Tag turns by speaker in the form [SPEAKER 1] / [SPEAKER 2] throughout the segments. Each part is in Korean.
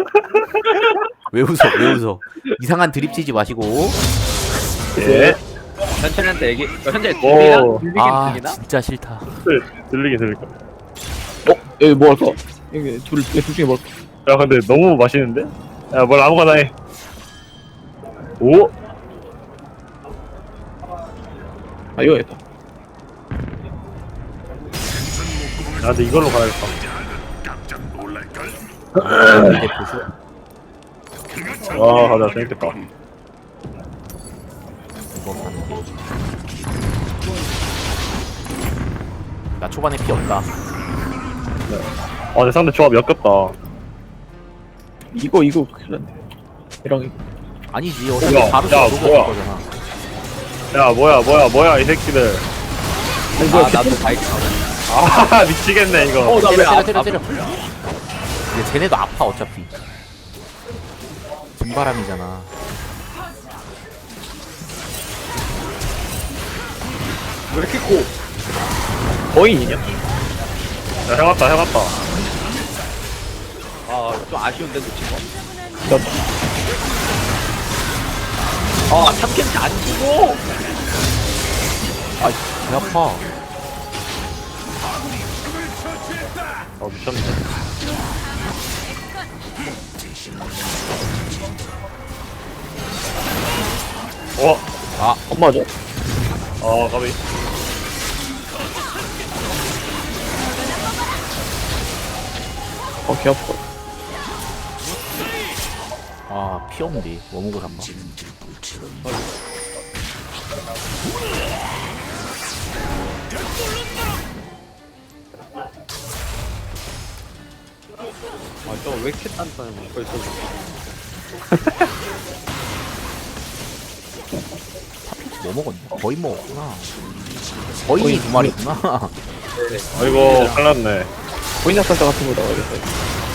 [SPEAKER 1] 왜 웃어? 왜 웃어? 이상한 드립 치지 마시고.
[SPEAKER 2] 예.
[SPEAKER 3] 현철이한테 얘기. 현재
[SPEAKER 2] 오.
[SPEAKER 3] 들리긴
[SPEAKER 1] 아
[SPEAKER 3] 들리나?
[SPEAKER 1] 진짜 싫다.
[SPEAKER 2] 들리긴 들릴까.
[SPEAKER 4] 여기 뭐 할까? 여기 둘 중에 뭐 할까?
[SPEAKER 2] 야 근데 너무 맛있는데? 야 뭘 아무거나 해. 오?
[SPEAKER 4] 아 이거 했다.
[SPEAKER 2] 야 근데 이걸로 가야겠다.
[SPEAKER 1] 이제 보수.
[SPEAKER 2] 와 가자 재밌겠다.
[SPEAKER 1] 이거 가는 게. 나 초반에 피 없다.
[SPEAKER 2] 내 상대 조합 역겹다.
[SPEAKER 4] 이거 큰일 났네. 이랑 이거.
[SPEAKER 1] 아니지 어차피
[SPEAKER 2] 뭐야?
[SPEAKER 1] 바로
[SPEAKER 2] 야,
[SPEAKER 1] 녹여줄
[SPEAKER 2] 뭐야?
[SPEAKER 1] 거잖아.
[SPEAKER 2] 야 뭐야 이 새끼들.
[SPEAKER 3] 아 나도 바이크.
[SPEAKER 2] 아 미치겠네 이거.
[SPEAKER 1] 때려. 근데 쟤네도 아파 어차피. 등바람이잖아.
[SPEAKER 3] 왜 이렇게 고?
[SPEAKER 4] 거인이냐?
[SPEAKER 2] 야 해봤다.
[SPEAKER 3] 아좀 아쉬운데 놓친 거.
[SPEAKER 4] 나
[SPEAKER 3] 아 참캠치 안 주고.
[SPEAKER 1] 배 아파.
[SPEAKER 2] 미쳤네.
[SPEAKER 4] 엄마죠?
[SPEAKER 2] 가비.
[SPEAKER 4] 개 아파.
[SPEAKER 1] 아 피 없는데 뭐 먹고 산다.
[SPEAKER 3] 아저왜 이렇게 단단해 벌써.
[SPEAKER 1] 뭐 먹었냐? 거의 먹었구나. 거인이 두 마리구나.
[SPEAKER 2] 아이고 큰일났네.
[SPEAKER 4] 거인 낙살자 같은 거 나와야겠다. 이거.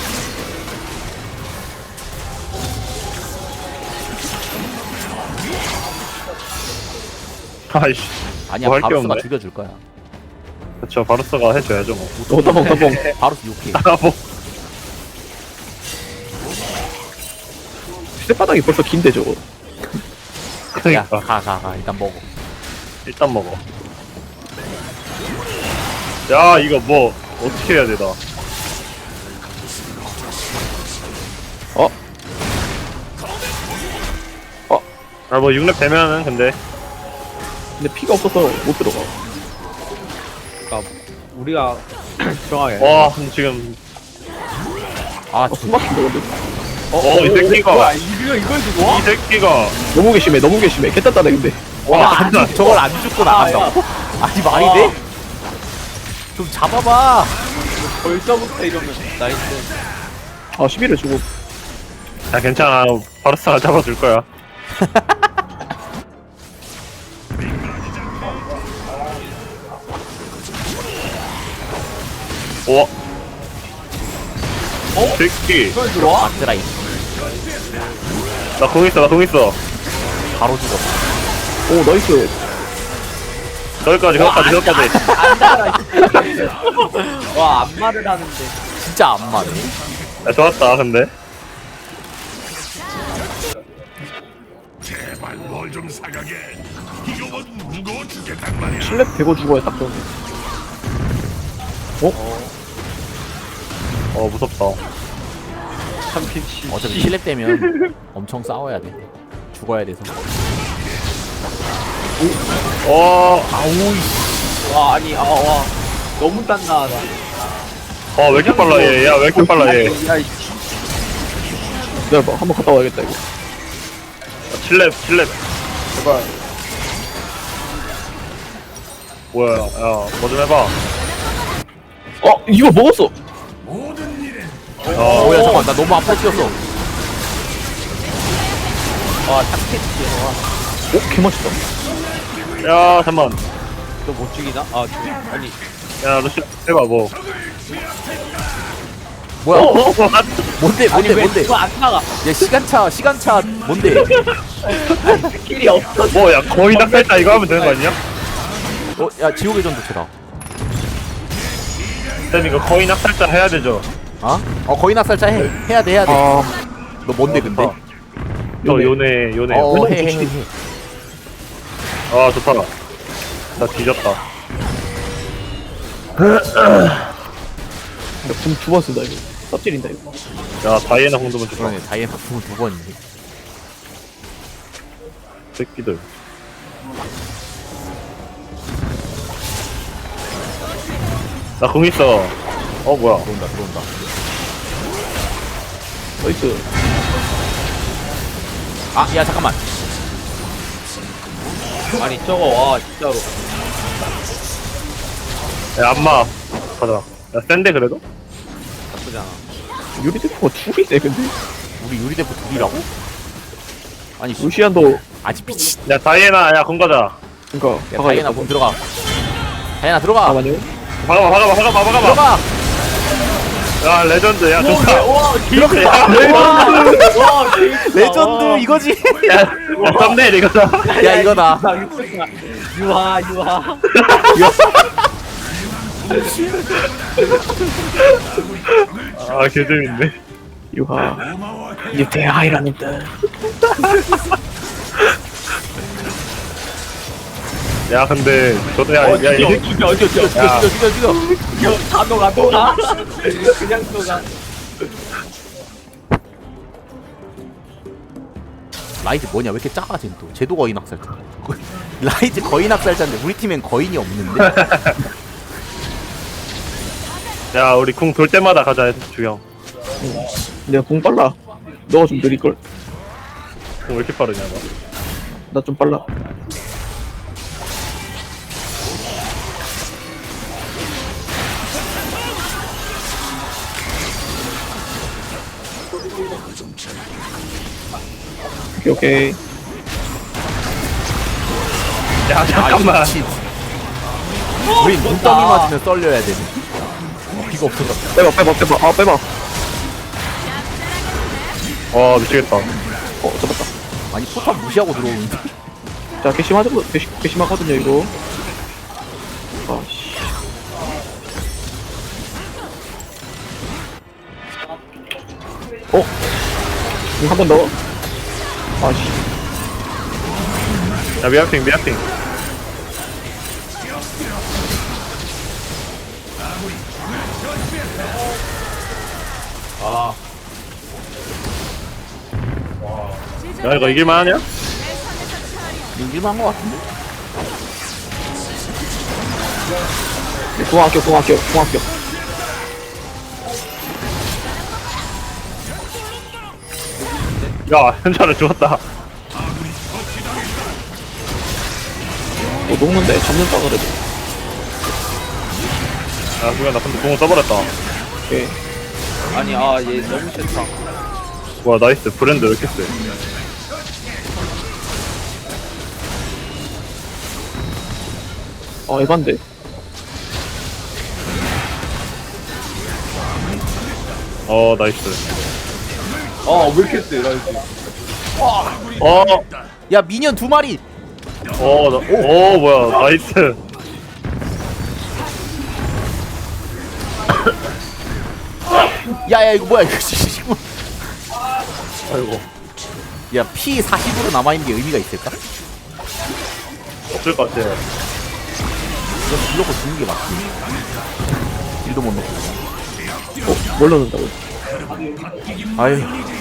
[SPEAKER 2] 아이씨.
[SPEAKER 1] 아니야
[SPEAKER 2] 뭐할게
[SPEAKER 1] 바루스가
[SPEAKER 2] 없네.
[SPEAKER 1] 죽여줄 거야.
[SPEAKER 2] 그쵸 바루스가 해줘야죠 뭐.
[SPEAKER 4] 따봉.
[SPEAKER 1] 바루스 욕해.
[SPEAKER 2] 뭐.
[SPEAKER 4] 휴대바닥이 벌써 긴데 저거.
[SPEAKER 1] 야
[SPEAKER 2] 그러니까
[SPEAKER 1] 가 일단 먹어.
[SPEAKER 2] 일단 먹어. 야 이거 뭐 어떻게 해야 되나? 뭐 6렙 되면은 근데
[SPEAKER 4] 근데 피가 없어서 못 들어가.
[SPEAKER 3] 그러니까 우리가 정하게.
[SPEAKER 2] 와 지금
[SPEAKER 1] 아
[SPEAKER 4] 숨 막힌다 근데.
[SPEAKER 2] 이 새끼가
[SPEAKER 3] 뭐야 이걸 주고?
[SPEAKER 2] 이 새끼가
[SPEAKER 4] 너무 괘씸해. 개딴다네 근데.
[SPEAKER 2] 와 진짜
[SPEAKER 1] 저걸 안 죽고 나간다고? 아니 말이 돼? 좀 잡아봐.
[SPEAKER 3] 벌써부터 이러면 나이스.
[SPEAKER 4] 아 11을 주고.
[SPEAKER 2] 야 괜찮아 바루스가 잡아줄 거야. 오. 새끼.
[SPEAKER 3] 이걸 들어와?
[SPEAKER 1] 아트라이
[SPEAKER 2] 나 공 있어.
[SPEAKER 1] 바로 죽었어.
[SPEAKER 4] 오 나이스.
[SPEAKER 2] 저기까지.
[SPEAKER 3] 와 안마를 하는데.
[SPEAKER 1] 진짜 안 맞네.
[SPEAKER 2] 야 좋았다 근데.
[SPEAKER 4] 실랩 대고 죽어야 딱 좋네.
[SPEAKER 2] 무섭다.
[SPEAKER 3] 참캠치.
[SPEAKER 1] 어차피 실렙 되면 엄청 싸워야 돼. 죽어야 돼서.
[SPEAKER 3] 와 아니 와 너무 단단하다.
[SPEAKER 2] 왜 이렇게 빨라 얘. 야 왜 이렇게 빨라 얘.
[SPEAKER 3] 야
[SPEAKER 4] 기다려봐. 한번 갔다 와야겠다 이거.
[SPEAKER 2] 7렙. 제발. 뭐야 야 뭐 좀 해봐.
[SPEAKER 4] 이거 먹었어.
[SPEAKER 1] 뭐야 잠깐 나 너무 아파 죽였어.
[SPEAKER 3] 와 참캠치.
[SPEAKER 4] 개 맛있다.
[SPEAKER 2] 야 잠만.
[SPEAKER 3] 너못 죽이나? 아 아니
[SPEAKER 2] 야 루시 해봐 뭐.
[SPEAKER 1] 뭐야? 뭔데?
[SPEAKER 3] 아니 왜
[SPEAKER 1] 뭔데?
[SPEAKER 3] 그거 안 나가?
[SPEAKER 1] 야 시간차 뭔데?
[SPEAKER 3] 스킬이 없어.
[SPEAKER 2] 뭐야 거의 낙살자 이거 하면 되는 거 아니야?
[SPEAKER 1] 야 지옥의 전도체다.
[SPEAKER 2] 쌤 이거 거의 낙살자 해야 되죠.
[SPEAKER 1] 어? 거인 학살자 해야 돼.
[SPEAKER 4] 아
[SPEAKER 1] 너 뭔데 근데?
[SPEAKER 2] 저 요네.
[SPEAKER 1] 해.
[SPEAKER 2] 아 좋다. 나 뒤졌다.
[SPEAKER 4] 궁2번 쓴다 이거 삽질인다 이거
[SPEAKER 2] 야 다이애나 공도면 좋다.
[SPEAKER 1] 그러네. 다이앤 바풍을 2번이네.
[SPEAKER 2] 새끼들. 나 공 있어. 뭐야?
[SPEAKER 1] 들어온다.
[SPEAKER 4] 나이스
[SPEAKER 1] 아, 야 잠깐만.
[SPEAKER 3] 아니 저거 와 진짜로.
[SPEAKER 2] 야 안마. 가자. 야 센데 그래도?
[SPEAKER 3] 나쁘지 않아.
[SPEAKER 4] 유리 대포가 둘이네 근데
[SPEAKER 1] 우리 유리대포 둘이라고? 아니
[SPEAKER 4] 루시안도
[SPEAKER 1] 아직 미친.
[SPEAKER 2] 야 다이애나 공 가자.
[SPEAKER 4] 그니까
[SPEAKER 1] 야, 다이애나 문 들어가. 다이애나 들어가.
[SPEAKER 4] 잠깐만요
[SPEAKER 2] 박아봐.
[SPEAKER 1] 들어가.
[SPEAKER 2] 야 레전드. 야 좋다.
[SPEAKER 1] 들어가.
[SPEAKER 3] 와
[SPEAKER 1] 레전드 이거지.
[SPEAKER 2] 야 썸네일 이거다.
[SPEAKER 1] 야 이거다.
[SPEAKER 3] 유하.
[SPEAKER 2] 아 개재밌네.
[SPEAKER 4] 유하 이제 대하이라는 뜻
[SPEAKER 2] 야 근데 저도 야이 새끼.
[SPEAKER 1] 죽여.
[SPEAKER 3] 다 녹아. 그냥 녹아.
[SPEAKER 1] 라이즈 뭐냐? 왜 이렇게 작아 쟤는 또? 쟤도 거인 학살자. 라이즈 거인 학살자인데 우리 팀엔 거인이 없는데?
[SPEAKER 2] 야 우리 궁 돌 때마다 가자 주영.
[SPEAKER 4] 내가 궁 빨라 너가 좀 느릴걸
[SPEAKER 2] 궁 왜 이렇게 빠르냐 너.
[SPEAKER 4] 나 좀 빨라 오케이
[SPEAKER 2] 야
[SPEAKER 1] 아
[SPEAKER 2] 잠깐만.
[SPEAKER 1] 미친. 우린 눈덩이 맞으면 썰려야 되네. 이거 없어서.
[SPEAKER 4] 빼봐
[SPEAKER 2] 와 미치겠다.
[SPEAKER 4] 잡았다
[SPEAKER 1] 아니 포탑 무시하고 들어오는데.
[SPEAKER 4] 자 괘씸하거든요 이거 아씨 한 번 더 아씨
[SPEAKER 2] 야 미아핑. 야 이거 이길만 하냐?
[SPEAKER 1] 이길만 한거 같은데?
[SPEAKER 4] 궁 아껴
[SPEAKER 2] 야 현자를 죽었다.
[SPEAKER 4] 녹는데 잡는다 그래도
[SPEAKER 2] 야 누가 나 근데 궁을 써버렸다.
[SPEAKER 4] 오케이
[SPEAKER 3] 아니 얘 너무 싫다.
[SPEAKER 2] 와 나이스. 브랜드 왜 이렇게 세?
[SPEAKER 4] 에반데
[SPEAKER 2] 나이스.
[SPEAKER 3] 왜 이렇게 세 라이즈.
[SPEAKER 1] 야 미니언 2마리.
[SPEAKER 2] 뭐야 나이스.
[SPEAKER 1] 야야 이거 뭐야 이거.
[SPEAKER 2] 아이고
[SPEAKER 1] 야 P 40으로 남아있는 게 의미가 있을까?
[SPEAKER 2] 없을 것 같아.
[SPEAKER 1] 이건 딜러고 죽는 게 맞지. 딜도 못 넣고.
[SPEAKER 4] 뭘 넣는다고
[SPEAKER 1] 아유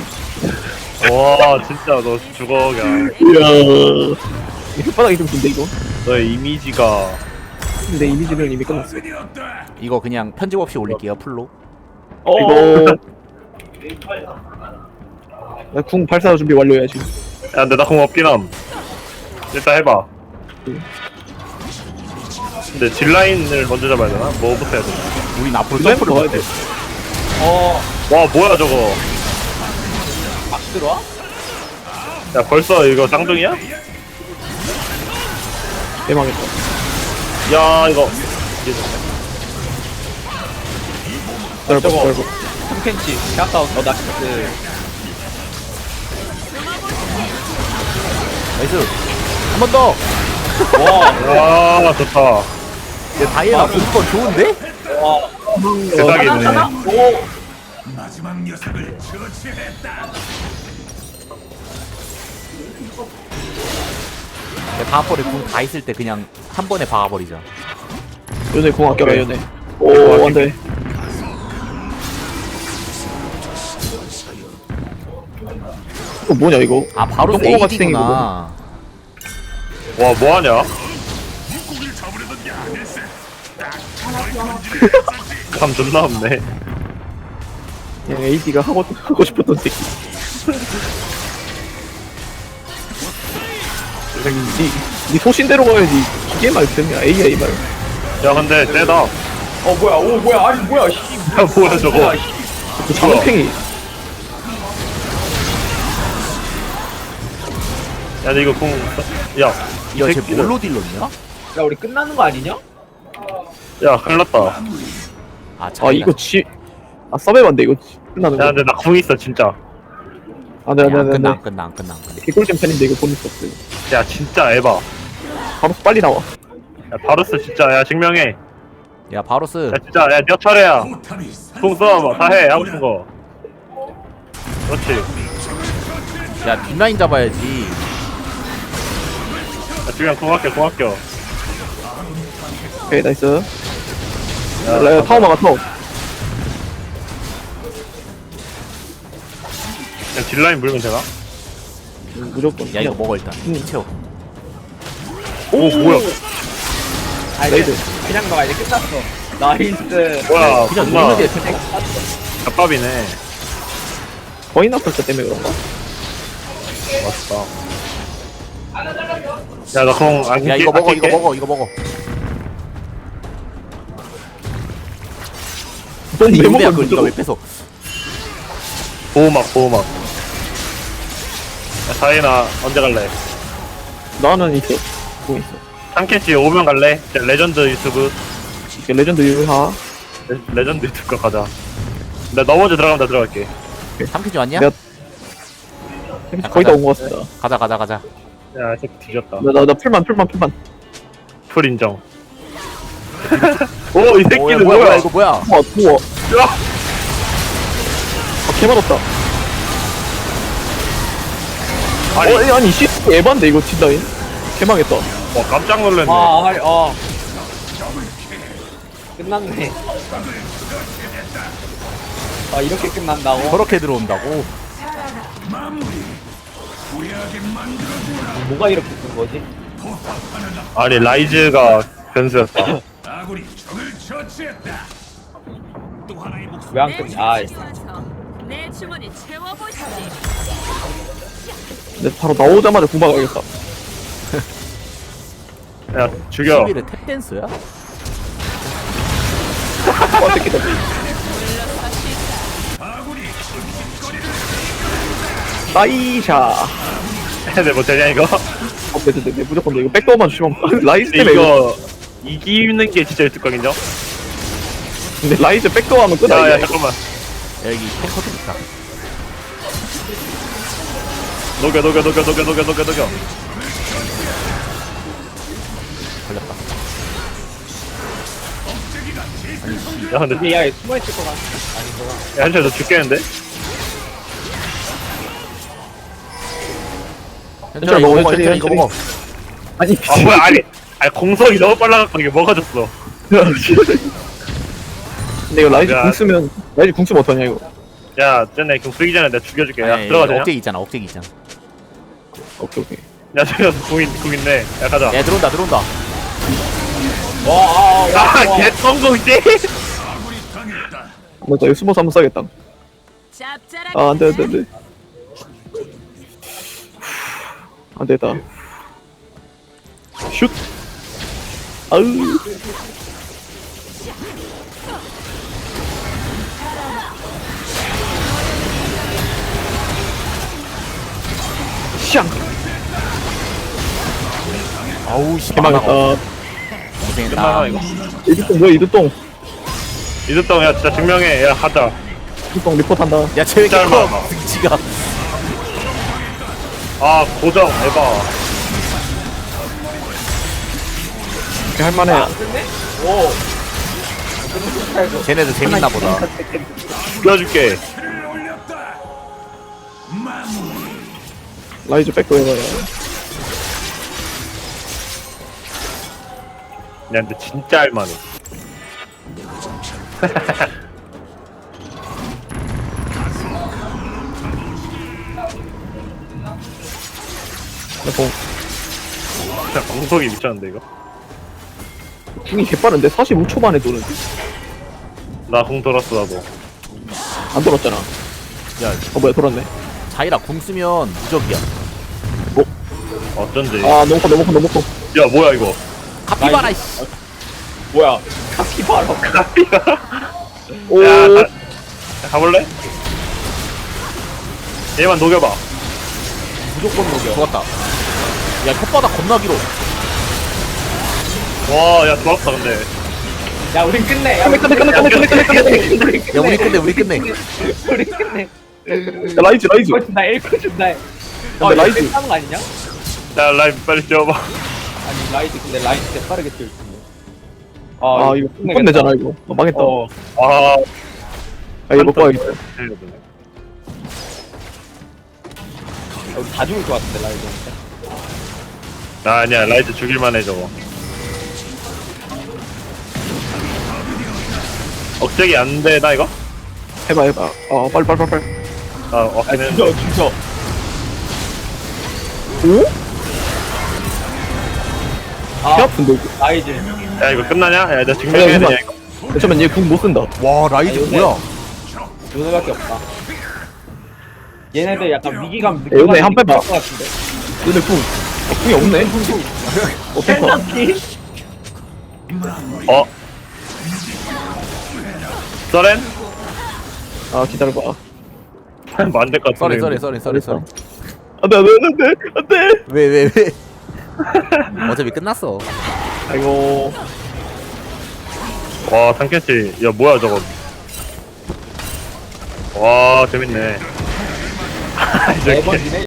[SPEAKER 2] 와 진짜 너 죽어 그냥.
[SPEAKER 4] 이야 이 혓바닥이 좀 긴데 이거
[SPEAKER 2] 너의 이미지가.
[SPEAKER 4] 내 이미지는 이미 끝났어
[SPEAKER 1] 이거 그냥 편집 없이 올릴게요 풀로.
[SPEAKER 4] 이거 나궁 발사 준비 완료해야 지금
[SPEAKER 2] 야 근데 나 공 없긴 함. 일단 해봐. 근데 딜라인을 먼저 잡아야 되나? 뭐부터 해야 되나?
[SPEAKER 1] 우린 앞으로
[SPEAKER 4] 점프를
[SPEAKER 1] 점프를
[SPEAKER 4] 넣어야 돼
[SPEAKER 2] 와 뭐야 저거.
[SPEAKER 3] 막 들어와?
[SPEAKER 2] 야 벌써 이거 쌍둥이야?
[SPEAKER 4] 대망했다
[SPEAKER 2] 야 이거
[SPEAKER 4] 넓어
[SPEAKER 3] 3cm. 아까 나이스.
[SPEAKER 1] 나이스. 한 번 더.
[SPEAKER 3] 와.
[SPEAKER 2] 아 좋다.
[SPEAKER 1] 야 다이애나 공건 좋은데?
[SPEAKER 3] 와.
[SPEAKER 2] 대박이네.
[SPEAKER 3] 오.
[SPEAKER 5] 마지막 녀석을 처치했다.
[SPEAKER 1] 바하퍼를 궁 다 있을 때 그냥 한 번에 박아버리자.
[SPEAKER 4] 요네 공 아껴라
[SPEAKER 2] 오케이.
[SPEAKER 4] 요네. 오 안돼. 이거 뭐냐 이거?
[SPEAKER 1] 아 바로
[SPEAKER 4] 똥꼬 같이 생긴
[SPEAKER 1] AD구나.
[SPEAKER 2] 와 뭐하냐? 감 존나 없네.
[SPEAKER 4] 그냥 AD가 하고 싶었던 새끼. 니 소신대로 가야지. 기계 말씀이야. AI 말.
[SPEAKER 2] 야 근데 쎄다. 야
[SPEAKER 3] 어 뭐야 오 뭐야 아니 뭐야 씨.
[SPEAKER 2] 뭐야 저거.
[SPEAKER 3] 뭐야, 씨.
[SPEAKER 4] 그 장팽이.
[SPEAKER 2] 야 근데 이거 궁. 야. 이
[SPEAKER 1] 야쟤
[SPEAKER 2] 새끼들.
[SPEAKER 1] 뭘로 딜렀냐?
[SPEAKER 3] 야 우리 끝나는 거 아니냐?
[SPEAKER 2] 야 큰일났다.
[SPEAKER 1] 아
[SPEAKER 4] 아 이거 서베반데 이거 끝나는
[SPEAKER 2] 야
[SPEAKER 4] 거.
[SPEAKER 2] 근데 나 궁 있어 진짜.
[SPEAKER 1] 안 끝나 안
[SPEAKER 4] 안돼.
[SPEAKER 1] 끝나 안 끝나 안 끝나.
[SPEAKER 4] 개꿀잼 팬인데 이거 보낼 수 없어요.
[SPEAKER 2] 야 진짜 에바.
[SPEAKER 4] 바로 빨리 나와.
[SPEAKER 2] 야 바루스 진짜 야 증명해.
[SPEAKER 1] 야 바로스.
[SPEAKER 2] 야 진짜 야 몇 차례야.
[SPEAKER 5] 포탑이
[SPEAKER 2] 궁 써. 다 해. 하고 싶은 거. 그렇지.
[SPEAKER 1] 야 뒷라인 잡아야지.
[SPEAKER 2] 야 지금 궁 할게 궁 할게.
[SPEAKER 4] 오케이 나이스.
[SPEAKER 2] 야,
[SPEAKER 4] 라이어 타워 막아 타워.
[SPEAKER 2] 그냥 딜라인 물면 되나?
[SPEAKER 4] 무조건.
[SPEAKER 1] 야 이거
[SPEAKER 4] 그냥.
[SPEAKER 1] 먹어 일단. 채워.
[SPEAKER 2] 오 뭐야?
[SPEAKER 3] 아 이제 그냥 너가 이제 끝났어. 나이스.
[SPEAKER 2] 뭐야?
[SPEAKER 1] 그냥
[SPEAKER 2] 존나
[SPEAKER 1] 누르게 그냥.
[SPEAKER 2] 잡밥이네.
[SPEAKER 4] 거인 아플 때 때문에 그런가?
[SPEAKER 2] 맞다. 야, 나 그럼 안
[SPEAKER 1] 야 이거 먹어 이거 먹어 이거 먹어.
[SPEAKER 4] 넌
[SPEAKER 1] 아니
[SPEAKER 4] 왜
[SPEAKER 1] 이거야
[SPEAKER 4] 먹어?
[SPEAKER 1] 그걸 니가 왜 뺏어?
[SPEAKER 2] 보호막, 보호막. 야, 사이나 언제 갈래?
[SPEAKER 4] 나는 있어. 뭐 있어?
[SPEAKER 2] 상캐치 오면 갈래? 레전드 유튜브.
[SPEAKER 4] 이게 레전드 유하.
[SPEAKER 2] 레전드 유튜브 가자. 나 넘어져 들어가면 나 들어갈게.
[SPEAKER 1] 삼키지 왔냐?
[SPEAKER 4] 내가 거의 다 온 것 같습니다.
[SPEAKER 1] 가자 가자 가자.
[SPEAKER 2] 야, 이 새끼 뒤졌다.
[SPEAKER 4] 나 풀만.
[SPEAKER 2] 풀 인정. 오, 이
[SPEAKER 1] 야,
[SPEAKER 2] 새끼는
[SPEAKER 1] 뭐야
[SPEAKER 2] 뭐야?
[SPEAKER 1] 이거 뭐야?
[SPEAKER 4] 우와.
[SPEAKER 2] 야!
[SPEAKER 4] 아 개맛없다.
[SPEAKER 2] 아니,
[SPEAKER 4] 아니 씨 에반데 이거 뒷라인. 개망했다.
[SPEAKER 2] 와, 깜짝 놀랐네.
[SPEAKER 3] 아 아니 끝났네. 아 이렇게 끝난다고?
[SPEAKER 1] 저렇게 들어온다고?
[SPEAKER 3] 뭐가 이렇게 큰 거지?
[SPEAKER 2] 아니, 라이즈가 변수였다.
[SPEAKER 5] 아군이 적을 처치했다. 또 하나의 목숨.
[SPEAKER 3] 왜 안 끝나? 아
[SPEAKER 6] 내 주머니 채워보시지.
[SPEAKER 4] 근데 바로 나오자마자 구박하겠다.
[SPEAKER 2] 야, 죽여.
[SPEAKER 1] 시비를 탭댄스야?
[SPEAKER 4] 아 새끼다. 나이샤.
[SPEAKER 2] 내 못하냐, 이거?
[SPEAKER 4] 네, 무조건 돼. 이거 백도어만 주시면 라이즈
[SPEAKER 2] 근데
[SPEAKER 4] 때문에
[SPEAKER 2] 이거, 이기는 게 진짜 유튜브각이죠?
[SPEAKER 4] 근데 라이즈 백도어 하면 끝나.
[SPEAKER 2] 야, 야,
[SPEAKER 4] 이거.
[SPEAKER 2] 잠깐만.
[SPEAKER 1] 야 여기 탱커도 있다.
[SPEAKER 2] 녹여.
[SPEAKER 1] 걸렸다.
[SPEAKER 2] 야, 근데,
[SPEAKER 3] 이게 야 숨어있을 것 같아. 아니구나.
[SPEAKER 2] 야, 한철 너 죽겠는데?
[SPEAKER 1] 현철아 이거 먹어 현철아 이거 먹어.
[SPEAKER 4] 아니
[SPEAKER 2] 아, 뭐야, 아니, 공성이 너무 빨라갖고 이게 먹어졌어.
[SPEAKER 4] 근데 이거 라이즈
[SPEAKER 2] 야.
[SPEAKER 4] 궁 쓰면 어떠냐 이거.
[SPEAKER 2] 야, 쟤네 그 쓰기 전에 내가 죽여줄게. 야,
[SPEAKER 1] 아니,
[SPEAKER 2] 들어가자.
[SPEAKER 1] 억제기 있잖아 억제기 있잖아.
[SPEAKER 4] 오케이.
[SPEAKER 2] 야, 저기 궁 있네. 야, 가자.
[SPEAKER 1] 야 들어온다.
[SPEAKER 2] 아, 개성공이지?
[SPEAKER 4] 맞아 이거 숨어서 한번 써야겠다.
[SPEAKER 6] 짭짤하게.
[SPEAKER 4] 아 안돼. 안되겠다. 슛. 아으. 샹.
[SPEAKER 1] 아우 씨.
[SPEAKER 4] 개망했다.
[SPEAKER 1] 고생했다.
[SPEAKER 2] 끝나나, 이거.
[SPEAKER 4] 이두똥 뭐야 이두똥.
[SPEAKER 2] 이득동, 야, 진짜 증명해. 야, 가자.
[SPEAKER 4] 이두똥 리포트한다.
[SPEAKER 1] 야쟤 왜 이렇게
[SPEAKER 2] 짧아.
[SPEAKER 1] 커? 등치가.
[SPEAKER 2] 아, 고정, 에바.
[SPEAKER 4] 할만해.
[SPEAKER 1] 쟤네들 재밌나 보다.
[SPEAKER 2] 죽여줄게.
[SPEAKER 5] 를 올렸다. 마무리.
[SPEAKER 4] 라이즈 백도 해봐요.
[SPEAKER 2] 야, 근데 진짜 할만해. 진짜 공속이 미쳤는데 이거.
[SPEAKER 4] 궁이 개빠른데 45초 만에 도는.
[SPEAKER 2] 나 공 돌았어 나도.
[SPEAKER 4] 안 돌았잖아.
[SPEAKER 1] 야,
[SPEAKER 4] 뭐야 돌았네.
[SPEAKER 1] 자이라 궁 쓰면 무적이야.
[SPEAKER 2] 어쩐지.
[SPEAKER 4] 아 너무 커.
[SPEAKER 2] 야 뭐야 이거.
[SPEAKER 1] 카피바라 씨.
[SPEAKER 3] 뭐야 카피바라
[SPEAKER 4] 오.
[SPEAKER 2] 야, 가볼래? 얘만 녹여봐.
[SPEAKER 3] 무조건 녹여.
[SPEAKER 1] 죽었다. 야, 혓바닥 겁나 길어.
[SPEAKER 2] 와, 야 좋았다 근데.
[SPEAKER 3] 야 우린 끝내. 야
[SPEAKER 4] 끝내.
[SPEAKER 1] 야, 우리 끝내, 우리 끝내.
[SPEAKER 3] 우리 끝내.
[SPEAKER 4] 야, 라이즈.
[SPEAKER 3] 이거 준다. 1코 준다.
[SPEAKER 4] 근데 라이즈.
[SPEAKER 3] 하는 거 아니냐?
[SPEAKER 2] 야 라인 빨리 뛰어봐.
[SPEAKER 3] 아니 라이즈 근데 라이즈 진짜 빠르게 뛸 텐데.
[SPEAKER 4] 아 이거 끝내잖아 이거. 망했다.
[SPEAKER 3] 어.
[SPEAKER 2] 아,
[SPEAKER 4] 아 이거 못 봐야겠다.
[SPEAKER 3] 우리 다 죽을 것 같은데 라이즈한테.
[SPEAKER 2] 아니야 라이트 죽일만해 저거. 억제기 안 되나 이거?
[SPEAKER 4] 해봐. 빨리.
[SPEAKER 2] 아 억제는.
[SPEAKER 3] 죽여.
[SPEAKER 4] 오?
[SPEAKER 3] 아
[SPEAKER 4] 개 아픈데 이거.
[SPEAKER 3] 라이즈.
[SPEAKER 2] 야 이거 끝나냐? 야 나 증명해야 되냐 이거?
[SPEAKER 4] 잠깐만 얘 궁 못 쓴다.
[SPEAKER 1] 와, 라이즈
[SPEAKER 3] 요새-
[SPEAKER 1] 뭐야?
[SPEAKER 3] 요새밖에 없다. 얘네들 약간 위기감
[SPEAKER 4] 야, 요새 한 빼봐.
[SPEAKER 3] 것 같은데.
[SPEAKER 4] 얘네 궁이 없네. 어떡하.
[SPEAKER 2] 어? 서렌?
[SPEAKER 4] 아 기다려봐.
[SPEAKER 2] 뭐 안 될 것 같은데.
[SPEAKER 1] 쏘리.
[SPEAKER 4] 안돼.
[SPEAKER 1] 왜? 어차피 끝났어.
[SPEAKER 4] 아이고.
[SPEAKER 2] 와 탐캐치. 야 뭐야 저거. 와 재밌네.
[SPEAKER 3] 매번 이네